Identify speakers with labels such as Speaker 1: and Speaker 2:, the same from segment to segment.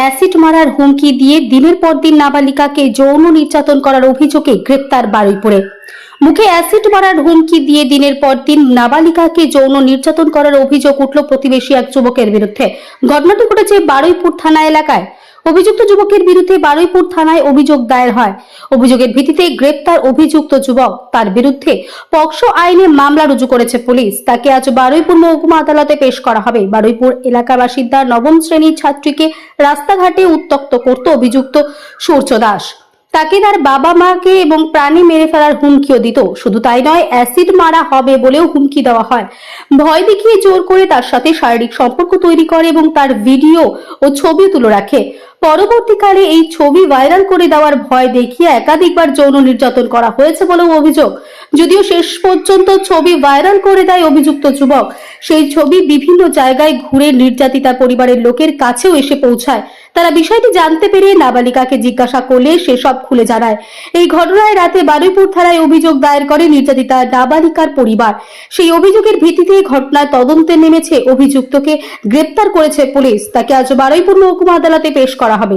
Speaker 1: Acid মারার হুমকি দিয়ে দিনের পর দিন নাবালিকাকে যৌন নির্যাতন করার অভিযোগে গ্রেপ্তার বারুইপুরে। মুখে অ্যাসিড মারার হুমকি দিয়ে দিনের পর দিন নাবালিকাকে যৌন নির্যাতন করার অভিযোগ উঠল প্রতিবেশী এক যুবকের বিরুদ্ধে। ঘটনাটি ঘটেছে বারুইপুর থানা এলাকায়। অভিযুক্ত যুবকের বিরুদ্ধে বারুইপুর থানায় অভিযোগ দায়ের হয়। অভিযোগের ভিত্তিতে গ্রেপ্তার অভিযুক্ত যুবক। তার বিরুদ্ধে পক্সো আইনে মামলা রুজু করেছে পুলিশ। তাকে আজ বারুইপুর মহকুমা আদালতে পেশ করা হবে। বারুইপুর এলাকার বাসিন্দা নবম শ্রেণীর ছাত্রীকে রাস্তাঘাটে উত্ত্যক্ত করত অভিযুক্ত সূর্য দাস। তাকে তার বাবা মাকে এবং প্রাণী মেরে ফেলার হুমকিও দিত। শুধু তাই নয়, অ্যাসিড মারা হবে বলেও হুমকি দেওয়া হয়। ভয় দেখিয়ে জোর করে তার সাথে শারীরিক সম্পর্ক তৈরি করে এবং তার ভিডিও ও ছবি তুলে রাখে। পরবর্তীকালে এই ছবি ভাইরাল করে দেওয়ার ভয় দেখিয়ে একাধিকবার যৌন নির্যাতন করা হয়েছে বলেও অভিযোগ। যদিও শেষ পর্যন্ত ছবি ভাইরাল করে দেয় অভিযুক্ত যুবক, সেই ছবি বিভিন্ন জায়গায় ঘুরে নির্যাতিতা পরিবারের লোকের কাছেও এসে পৌঁছায়। তারা বিষয়টি জানতে পেরে নাবালিকাকে জিজ্ঞাসা করলে সে সব খুলে জানায়। এই ঘটনায় রাতে বারুইপুর থানায় অভিযোগ দায়ের করে নির্যাতিতা নাবালিকার পরিবার। সেই অভিযোগের ভিত্তিতে ঘটনায় তদন্তে নেমেছে। অভিযুক্তকে গ্রেপ্তার করেছে পুলিশ। তাকে আজ বারুইপুর মহকুমা আদালতে পেশ করা হবে।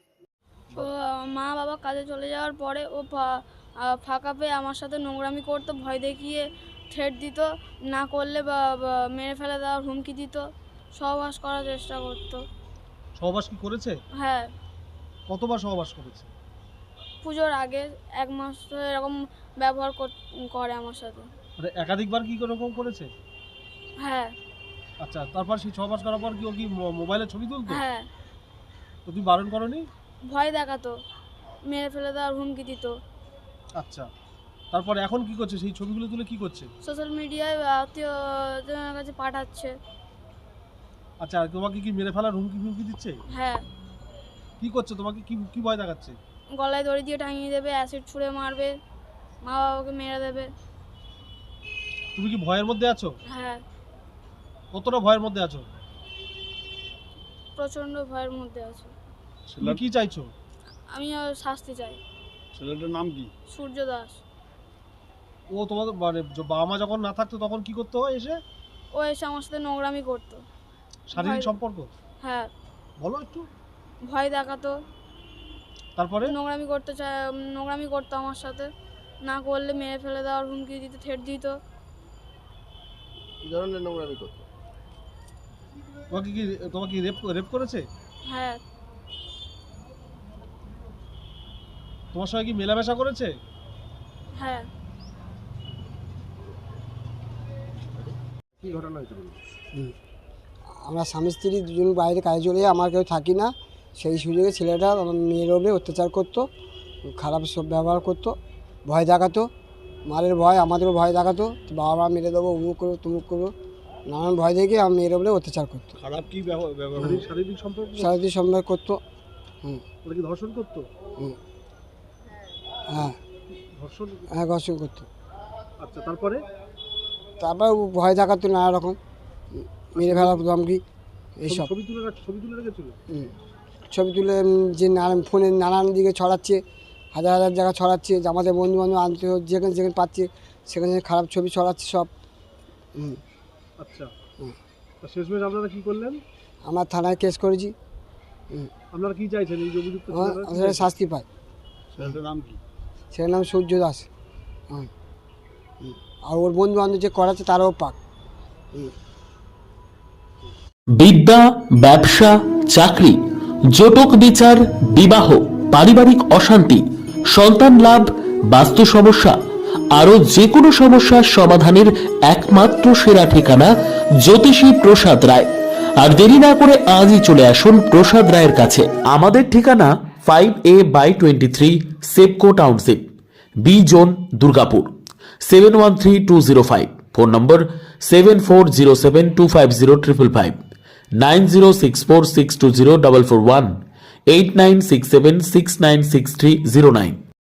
Speaker 2: মা বাবা কাজে চলে যাওয়ার পরে ও ফাঁকা পেয়ে আমার সাথে নোংরামি করতো, ভয় দেখিয়ে থ্রেট দিত, না করলে বা মেরে ফেলে দেওয়ার হুমকি দিত, সহবাস করার চেষ্টা করতো।
Speaker 3: সহবাস কি করেছে?
Speaker 2: হ্যাঁ,
Speaker 3: কতবার সহবাস করেছে?
Speaker 2: পুজোর আগে 1 মাস ধরে এরকম ব্যবহার করে আমার সাথে।
Speaker 3: মানে একাধিকবার কি এরকম করেছে?
Speaker 2: হ্যাঁ।
Speaker 3: আচ্ছা, তারপর সেই সহবাস করার পর কি ও কি মোবাইলে ছবি তুলতো?
Speaker 2: হ্যাঁ।
Speaker 3: তো তুমি বারণ করনি?
Speaker 2: ভয় দেখাতো, মেরে ফেলে দেওয়ার হুমকি দিত।
Speaker 3: আচ্ছা, তারপর এখন কি করছে? সেই ছবিগুলো তুলে কি করছে?
Speaker 2: সোশ্যাল মিডিয়ায় আত্মীয়জনের কাছে পাঠাচ্ছে।
Speaker 3: আচ্ছা, আর তোমাকে কি মেরে ফেলার হুমকি দিচ্ছে?
Speaker 2: হ্যাঁ।
Speaker 3: কি করছে? তোমাকে কি ভয় দেখাচ্ছে?
Speaker 2: গলায় দড়ি দিয়ে টাঙিয়ে দেবে, অ্যাসিড ছুঁড়ে মারবে, মা বাবাকে মেরে দেবে।
Speaker 3: তুমি কি ভয়ের মধ্যে আছো?
Speaker 2: হ্যাঁ,
Speaker 3: কতটা ভয়ের মধ্যে আছো?
Speaker 2: প্রচন্ড ভয়ের মধ্যে আছে।
Speaker 3: তুমি কি চাইছো?
Speaker 2: আমি শাস্তি চাই।
Speaker 3: ছেলেটার নাম কি?
Speaker 2: সূর্য দাস।
Speaker 3: ও তোমাদের মানে বাবা মা যখন না থাকতো তখন কি করতে হয়? এসে
Speaker 2: ও এসে আমার সাথে নোংরামি করতো।
Speaker 3: শারীরিক সম্পর্ক?
Speaker 2: হ্যাঁ।
Speaker 3: বলো একটু।
Speaker 2: ভয় দেখাতো,
Speaker 3: তারপরে
Speaker 2: নোংরামি করতো আমার সাথে, না করলে মেরে ফেলে দেওয়ার হুমকি দিত, থ্রেট দিত।
Speaker 4: কি ধরনের নোংরামি করতো?
Speaker 3: তোমাকে রেপ করেছে?
Speaker 2: হ্যাঁ।
Speaker 3: তোমার সঙ্গে কি মেলামেশা করেছে?
Speaker 2: হ্যাঁ।
Speaker 4: কি ঘটনা হয়েছিল?
Speaker 5: আমরা স্বামী স্ত্রী দুজন বাইরে কাজে চলে যাই, আমার কেউ থাকি না। সেই সুযোগে ছেলেটা আমার মেয়ের ওপরে অত্যাচার করতো, খারাপ সব ব্যবহার করতো, ভয় দেখাতো, মারের ভয়, আমাদেরও ভয় দেখাতো, বাবা মা মেরে দেবো, উমুক করবো তুমুক করবো, নানান ভয় দেখে আমার মেয়ের ওপরে অত্যাচার করতো।
Speaker 3: খারাপ কি শারীরিক সম্পর্ক?
Speaker 5: শারীরিক সম্পর্ক করতো।
Speaker 3: ওরা কি ধর্ষণ করতো?
Speaker 5: হ্যাঁ, হ্যাঁ, ঘর্ষণ করতো।
Speaker 3: আচ্ছা, তারপর
Speaker 5: ভয় দেখাতো নানা রকম, মেরে ফেলা ধমকি এইসব।
Speaker 3: ছবি তুলে রেখেছিল?
Speaker 5: ছবি তুলে যে ফোনে নানান দিকে ছড়াচ্ছে, হাজার হাজার জায়গা ছড়াচ্ছে, যে আমাদের বন্ধু বান্ধব আনতে যেখানে যেখানে পাচ্ছে সেখানে খারাপ ছবি ছড়াচ্ছে সব।
Speaker 3: আচ্ছা, শেষমেশ আপনারা কি করলেন?
Speaker 5: আমরা থানায় কেস করেছি।
Speaker 3: আপনারা কি চাইছেন? এই অভিযুক্ত
Speaker 5: শাস্তি পায়।
Speaker 3: ছেলেটার নাম কি?
Speaker 5: সেটার নাম সূর্য দাস। আর ওর বন্ধু বান্ধব যে করাচ্ছে তারাও পাক।
Speaker 6: বিদ্যা, ব্যবসা, চাকরি, জটক বিচার, বিবাহ, পারিবারিক অশান্তি, সন্তান লাভ, বাস্তু সমস্যা, আরো যে কোনো সমস্যার সমাধানের একমাত্র সেরা ঠিকানা জ্যোতিষী প্রসাদ রায়। আর দেরি না করে আজই চলে আসুন প্রসাদ রায়ের কাছে। আমাদের ঠিকানা 5A/23 Sepco township, B zone, Durgapur, 713205। Phone number 7407250555, 9064620441, 8967696309।